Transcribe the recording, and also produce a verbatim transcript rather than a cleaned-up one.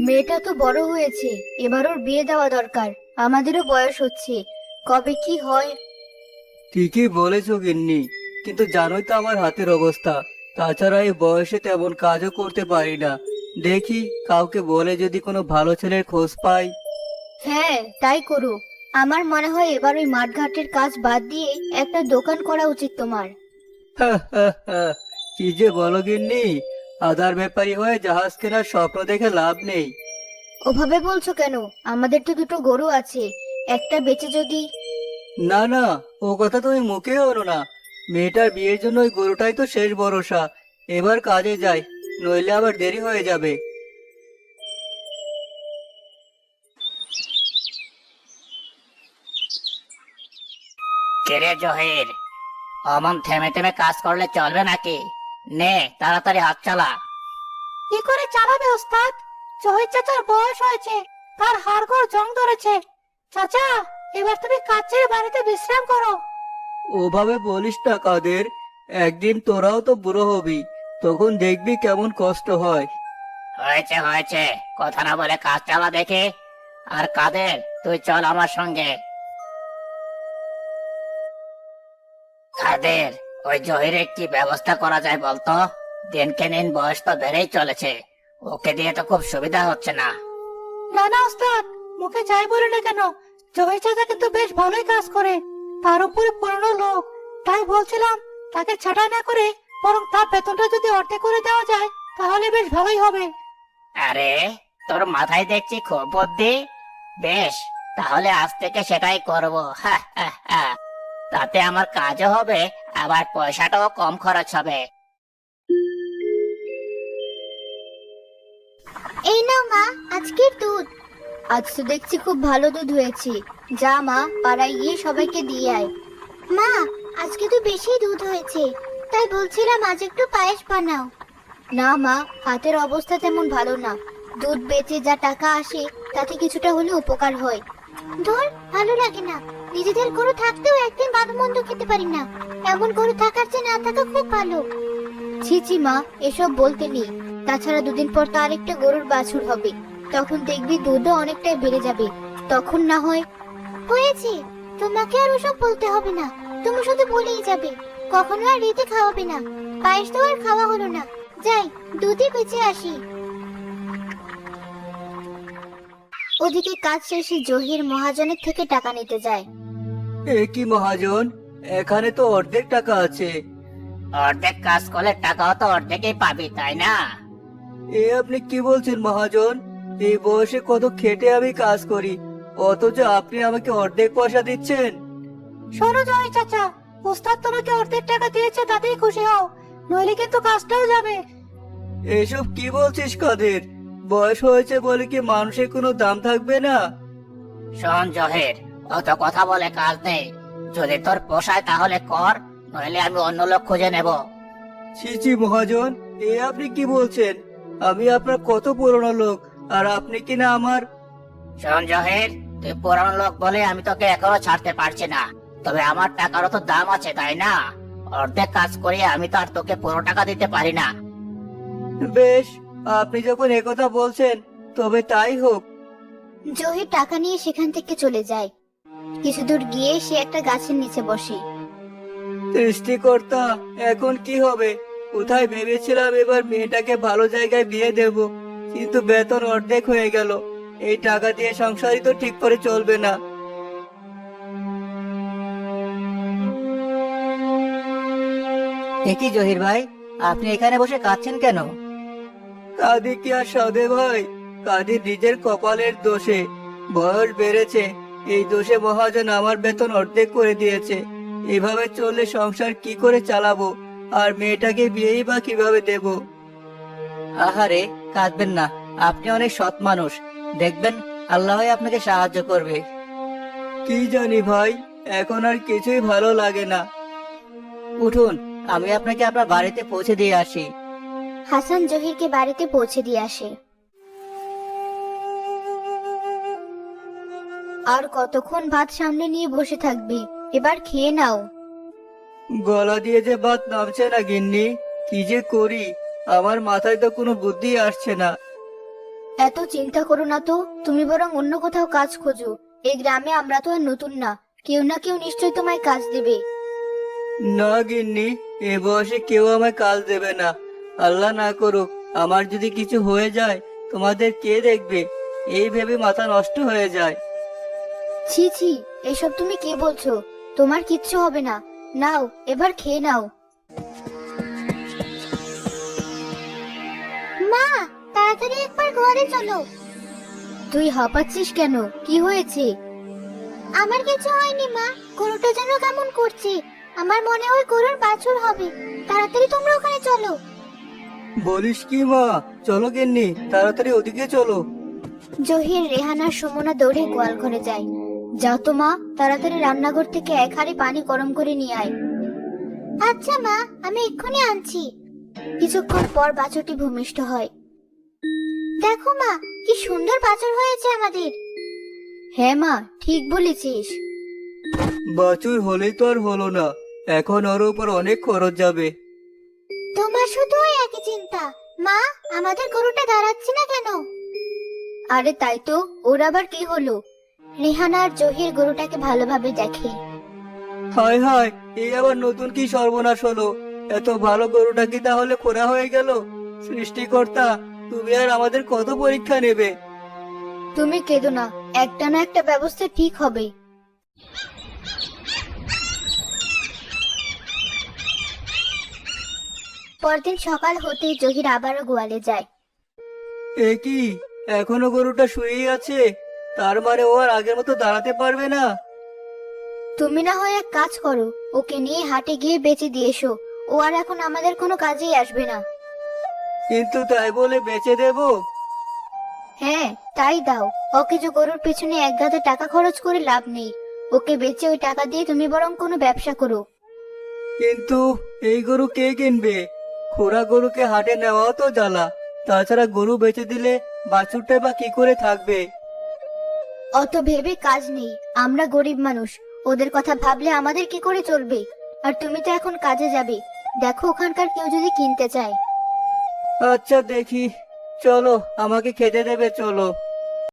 মেয়েটা তো বড় হয়েছে, এবার ওর বিয়ে দেওয়া দরকার। আমাদেরও বয়স হচ্ছে, কবে কি হয়। ঠিকই বলেছো গিন্নি, কিন্তু জানোই তো আমার হাতের অবস্থা। তাছাড়া এই বয়সে তেমন কাজও করতে পারি না। দেখি কাউকে বলে যদি কোনো ভালো ছেলের খোঁজ পাই। হ্যাঁ, তাই করো। আমার মনে হয় এবার ওই মাঠঘাটের কাজ বাদ দিয়ে একটা দোকান করা উচিত তোমার। কি যে বলো গিন্নি, আদার ব্যাপারী হয়ে জাহাজ কেনার স্বপ্ন দেখে লাভ নেই। ওভাবে বলছো কেন? আমাদের তো দুটো গরু আছে, একটা বেচে যদি। না না, ও কথা তুমি মুখে আনো না। মেয়েটার বিয়ের জন্য ওই গরুটাই তো শেষ ভরসা। এবার কাজে যাই, নইলে আবার দেরি হয়ে যাবে। কেরে জহির, অমন থেমে থেমে কাজ করলে চলবে নাকি? নে তাড়াতাড়ি হাত চালা। কি করে চালাবে ওস্তাদ? জহির চাচার বয়স হয়েছে, তার হাড়গোড় জং ধরেছে। চাচা, এবার তুমি কাজ ছেড়ে বাড়িতে বিশ্রাম করো। ওভাবে বলিস না কাদের। একদিন তোরাও তো বুড়ো হবি, তখন দেখবি কেমন কষ্ট হয়। হয়েছে হয়েছে, কথা না বলে কাজ চালা দেখে। আর কাদের, তুই চল আমার সঙ্গে। কাদের, ওই জহিরের কি ব্যবস্থা করা যায় বলতো? দিনকে দিন বয়স তো বেড়েই চলেছে, ওকে দিয়ে তো খুব সুবিধা হচ্ছে না। না না ওস্তাদ, মুখে যাই বলে না কেন, জহির চাচা কিন্তু বেশ ভালোই কাজ করে। তার উপরে পুরনো লোক, তাই বলছিলাম তাকে ছাঁটাই না করে বরং তার বেতনটা যদি অর্ধেক করে দেওয়া যায় তাহলে বেশ ভালোই হবে। আরে, তোর মাথায় দেখছি খুব বুদ্ধি। বেশ, তাহলে আজ থেকে সেটাই করব। হা, হা, হা। তাতে আমার কাজও হবে, আবার পয়সাটাও কম খরচ হবে। এই নাও মা, আজকের দুধ। আজ তো দেখছি খুব ভালো দুধ হয়েছে। যা মা, পাড়ায় গিয়ে সবাইকে দিয়ে আয়। মা, আজকে তো বেশি দুধ হয়েছে, তাই বলছিলাম আজ একটু পায়েস বানাও। না মা, হাতের অবস্থা তেমন ভালো না। দুধ বেচে যা টাকা আসে তাতে কিছুটা হলে উপকার হয়। ধর, ভালো লাগে না। নিজেদের গরু থাকতেও একদিন ভালো মন্দ খেতে পারি না। এমন গরু থাকার চেয়ে না থাকা খুব ভালো। ছি ছি মা, এসব বলতে নেই। তাছাড়া দুদিন পর তো আরেকটা গরুর বাছুর হবে, তখন দেখবি দুধও অনেকটাই বেড়ে যাবে। তখন না হয়। হয়েছে, তোমাকে আর ওসব বলতে হবে না। তুমি শুধু বলেই যাবে, কখনো আর রেতে খাওয়াবে না। পায়েস তো আর খাওয়া হলো না। যাই, দুধই বেঁচে আসি। ওদিকে কাজ শেষে জহির মহাজনের থেকে টাকা নিতে যায়। এ কি মহাজন, এখানে তো অর্ধেক টাকা আছে। অর্ধেক কাজ করলে টাকাও তো অর্ধেকই পাবি, তাই না? এ আপনি কি বলছেন মহাজন? এই বয়সে কত খেটে আমি কাজ করি, অথচ আপনি আমাকে অর্ধেক পয়সা দিচ্ছেন? শোনো জহির চাচা, ওস্তাদ তোমাকে অর্ধেক টাকা দিয়েছে তাতেই খুশি হও, নইলে কিন্তু কাজটাও যাবে। এসব কি বলছিস কাদের? বয়স হয়েছে বলে কি মানুষের কোনো দাম থাকবে না? শোন জহির, অত কথা বলে কাজ নেই। যদি তোর পোষায় তাহলে কর, নইলে আমি অন্য লোক খুঁজে নেব। ছি ছি মহাজন, এ আপনি কি বলছেন? আমি আপনার কত পুরনো লোক, আর আপনি কি না আমার। শোন জহির, তুই পুরানো লোক বলে আমি তোকে এখনো ছাড়তে পারছি না। তবে আমার টাকারও তো দাম আছে, তাই না? অর্ধেক কাজ করিয়ে আমি তো আর তোকে পুরো টাকা দিতে পারি না। বেশ, আপনি যখন একথা বলছেন তবে তাই হোক। জহির টাকা নিয়ে সেখান থেকে চলে যায়। কিছু দূর গিয়ে সে একটা গাছের নিচে বসে। সৃষ্টিকর্তা, এখন কি হবে? কোথায় ভেবেছিলাম এবার মেয়েটাকে ভালো জায়গায় বিয়ে দেব, কিন্তু বেতন অর্ধেক হয়ে গেল। এই টাকা দিয়ে সংসারই তো ঠিক করে চলবে না। একই জহির ভাই, আপনি এখানে বসে কাঁদছেন কেন? কাঁদি কি আর সাধে ভাই, কাঁদি নিজের কপালের দোষে। বয়স বেড়েছে, এই দোষে মহাজন আমার বেতন অর্ধেক করে দিয়েছে। এভাবে চললে সংসার কি করে চালাবো, আর মেয়েটাকে বিয়েই বা কিভাবে দেব? আহারে, কাঁদবেন না। আপনি অনেক সৎ মানুষ, দেখবেন আল্লাহ আপনাকে সাহায্য করবে। কি জানি ভাই, এখন আর কিছুই ভালো লাগে না। উঠুন, আমি আপনাকে আপনার বাড়িতে পৌঁছে দিয়ে আসি। হাসান জহিরকে বাড়িতে পৌঁছে দিয়ে আসে। আর কতক্ষণ ভাত সামনে নিয়ে বসে থাকবে? এবার খেয়ে নাও। গলা দিয়ে যে ভাত নামছে না গিন্নি, কি যে করি, আমার মাথায় তো কোনো বুদ্ধি আসছে না। এত চিন্তা করো না তো, তুমি বরং অন্য কোথাও কাজ খোঁজো। এই গ্রামে আমরা তো আর নতুন না, কেউ না কেউ নিশ্চয়ই তোমায় কাজ দেবে। না গিন্নি, এ বয়সে কেউ আমায় কাজ দেবে না। আল্লাহ না করুক আমার যদি কিছু হয়ে যায়, তোমাদের কে দেখবে? এই ভেবে মাথা নষ্ট হয়ে যায়। ছি ছি, এসব তুমি কি বলছো? তোমার কিচ্ছু হবে না। নাও, এবার খেয়ে নাও। মা, তাড়াতাড়ি একবার ঘরে চলো। তুই হাঁপাচ্ছিস কেন? কি হয়েছে? আমার কিছু হয়নি মা, গরুটা যেন কেমন করছে। আমার মনে হয় গরুর বাছুর হবে। তাড়াতাড়ি তোমরা ওখানে চলো। বলিস কি মা? চলো গিন্নি, তাড়াতাড়ি ওদিকে চলো। জহির, রেহানার সুমনা দৌড়ে গোয়াল ঘরে যায়। যাও তো মা, তাড়াতাড়ি রান্নাঘর থেকে এক হাঁড়ি পানি গরম করে নিয়ে আয়। আচ্ছা মা, আমি এক্ষুনি আনছি। কিছুক্ষণ পর বাছুরটি ভূমিষ্ঠ হয়। দেখো মা, কি সুন্দর বাছুর হয়েছে আমাদের। হ্যাঁ মা, ঠিক বলেছিস। বাছুর হলেই তো আর হলো না, এখন ওর উপর অনেক খরচ যাবে। তোমার শুধু ওই একই চিন্তা। মা, আমাদের গরুটা দাঁড়াচ্ছে না কেন? আরে তাই তো, ওর আবার কি হলো? রেহানা আর জহির গরুটাকে ভালোভাবে দেখে। হায় হায়, এই আবার নতুন কি সর্বনাশ হলো? এত ভালো গরুটা কি তাহলে খোরা হয়ে গেল? সৃষ্টিকর্তা, তুমি আর আমাদের কত পরীক্ষা নেবে? তুমি কেঁদো না, একটা না একটা ব্যবস্থা ঠিক হবে। পরদিন সকাল হতেই জহির আবারও গোয়ালে যায়। এ কি, এখনো গরুটা শুয়েই আছে? তার মানে ও আর আগের মতো দাঁড়াতে পারবে না? তুমি না হয় এক কাজ করো, ওকে নিয়ে হাটে গিয়ে বেচে দিয়ে এসো। ও আর এখন আমাদের কোনো কাজেই আসবে না। কিন্তু তাই বলে বেচে দেব? হ্যাঁ, তাই দাও। ওকে যে গরুর পেছনে এক গাদা টাকা খরচ করে লাভ নেই। ওকে বেচে ওই টাকা দিয়ে তুমি বরং কোনো ব্যবসা করো। কিন্তু এই গরু কে কিনবে? খোরা গরুকে হাটে নেওয়াও তো জ্বালা। তাছাড়া গরু বেচে দিলে বাছুরটা বা কি করে থাকবে? অত ভেবে কাজ নেই, আমরা গরিব মানুষ, ওদের কথা ভাবলে আমাদের কি করে চলবে? আর তুমি তো এখন কাজে যাবে, দেখো ওখানকার কেউ যদি কিনতে চায়। আচ্ছা দেখি, চলো আমাকে খেতে দেবে, চলো।